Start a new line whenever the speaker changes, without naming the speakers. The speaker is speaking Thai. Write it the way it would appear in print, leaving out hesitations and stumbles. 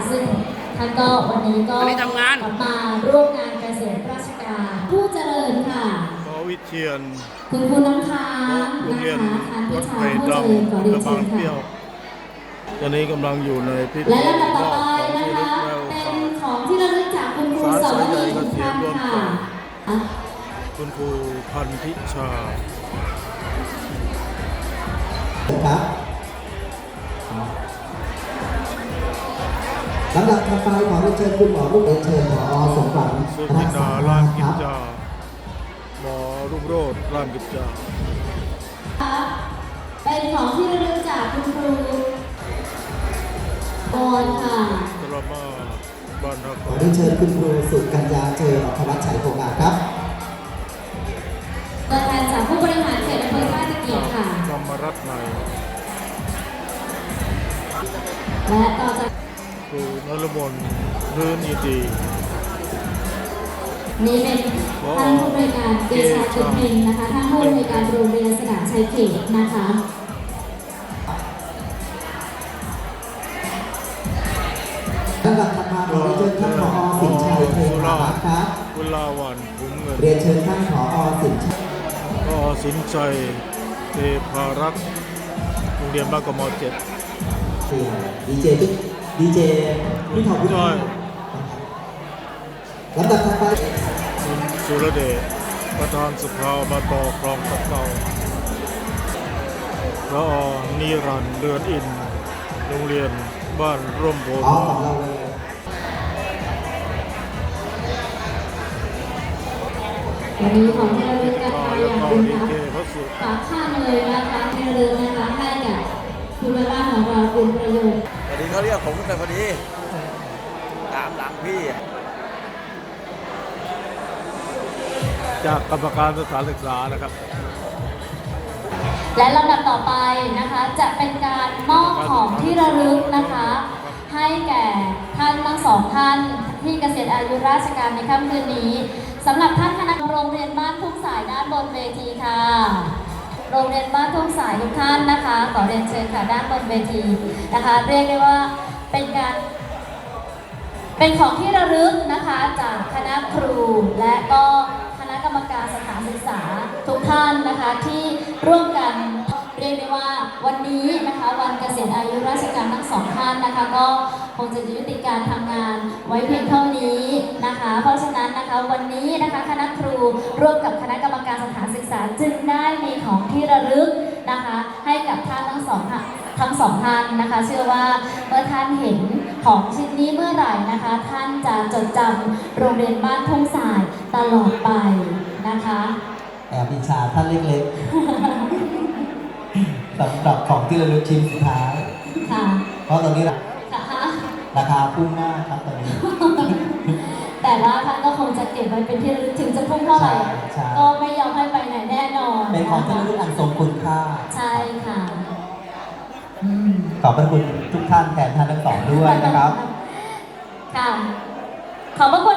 ซึ่งท่านก็วันนี้ก็มาร่วมงานเกษตรราชการผู้เจริญค่ะ
ขอวิเชียน
คุณครูน้ำค้างนะคะท่านพิชาผู้เจริญขอเรียนเชิญค่ะ
ตอนนี้กำลังอยู่ในพิธี
และลำดับต่อไปนะคะเป็นของที่ระลึกจากคุณครูสวนีทุกท่านค่ะ
คุณครูพันธิชา
ครับลำดับต่อไปขอเรียนเชิญคุณหมอรุ่งเรืองเชิญหมอสมหวัง
สุจินดาล้านกิจจาหมอรุ่งโรจน์ล้านกิจจา
เป็นของที่ระลึกจากคุณครูกรค่ะ
ตรมาบ้านรัก
ขอเรียนเชิญคุณครูสุกัญญาเจริญอัครวัชชัยโภงาครับ
ตัวแทนจากผู้บริหารเขตอำเภอท่าตะเกียบค่ะ
ธรรมรัตน์ใน
และต่อจาก
ครูนรมนรื่นอิตี
นี่เป็นท่านผู้บริการเดชาจุดเพ็งนะคะท่านผู้บริการโรงเรียนสนามชัยเขตนะคะ
ลำดับถัดมาขอเรียนเชิญท่านผอ.สินชัยเทพารักษ์ครับ
กุลาวันคุ้มเงิน
เรียนเชิญท่านผอ.สินชัย
สินชัยเทพารักษ์โรงเรียนบ้านกม.7
ดีเจพี่ทองผู้ช่วยลำดับถัดไป
คุณสุรเดชประธานสภาอบต.คลองตะเกาพระนิรันดร์เรือนอินโรงเรียนบ้านร่มโพธิ์
ของเราเลย
วันนี้ของที่ระลึกนะคะอย่างบุญครับฝากข้ามเลยนะคะที่ระลึกนะคะให้กับคุณแม่บ้านของเราคุณประโยชน์
พอดีเขาเรียกผมขึ้นไปพอดีตามหลังพี่
จากกรรมการสถานศึกษานะครับ
และลำดับต่อไปนะคะจะเป็นการมอบของที่ระลึกนะคะให้แก่ท่านทั้งสองท่านที่เกษียณอายุราชการในค่ำคืนนี้สำหรับท่านคณะโรงเรียนบ้านทุ่งสายด้านบนเวทีค่ะโรงเรียนบ้านทุ่งสายทุกท่านนะคะขอเรียนเชิญค่ะด้านบนเวทีนะคะเรียกได้ว่าเป็นของที่ระลึกนะคะจากคณะครูและก็คณะกรรมการสถานศึกษาทุกท่านนะคะที่ร่วมกันเรียกได้ว่าวันนี้นะคะวันเกษียณอายุราชการทั้งสองท่านนะคะก็คงจะยุติการทำงานไว้เพียงเท่านี้นะคะเพราะฉะนั้นนะคะวันนี้นะคะคณะครูร่วมกับคณะกรรมการสถานศึกษาจึงได้มีของที่ระลึกนะคะให้กับท่านทั้งสองท่านนะคะเชื่อว่าเมื่อท่านเห็นของชิ้นนี้เมื่อไหร่นะคะท่านจะจดจำโรงเรียนบ้านทุ่งสายตลอดไปนะคะ
แอบอิจฉาท่านเล็กๆสำหรับของที่ระลึกชิ้นสุดท้าย
ค่ะ
เพราะตอนนี้ราคาพุ่งมากครับตอนนี้
แต่ว่าท่านก็คงจะเก็บไว้เป็นที่ระลึกถึงจะพุ่งเท่าไหร่ก็ไม่ยอมให้ไปไหนแน่นอน
เป็นของที่ระลึกอันทรงคุณค่า
ใช่ค่ะ
ขอบพระคุณทุกท่านแทนท่านทั้งสองด้วยนะครับ
ค่ะขอบพระคุณ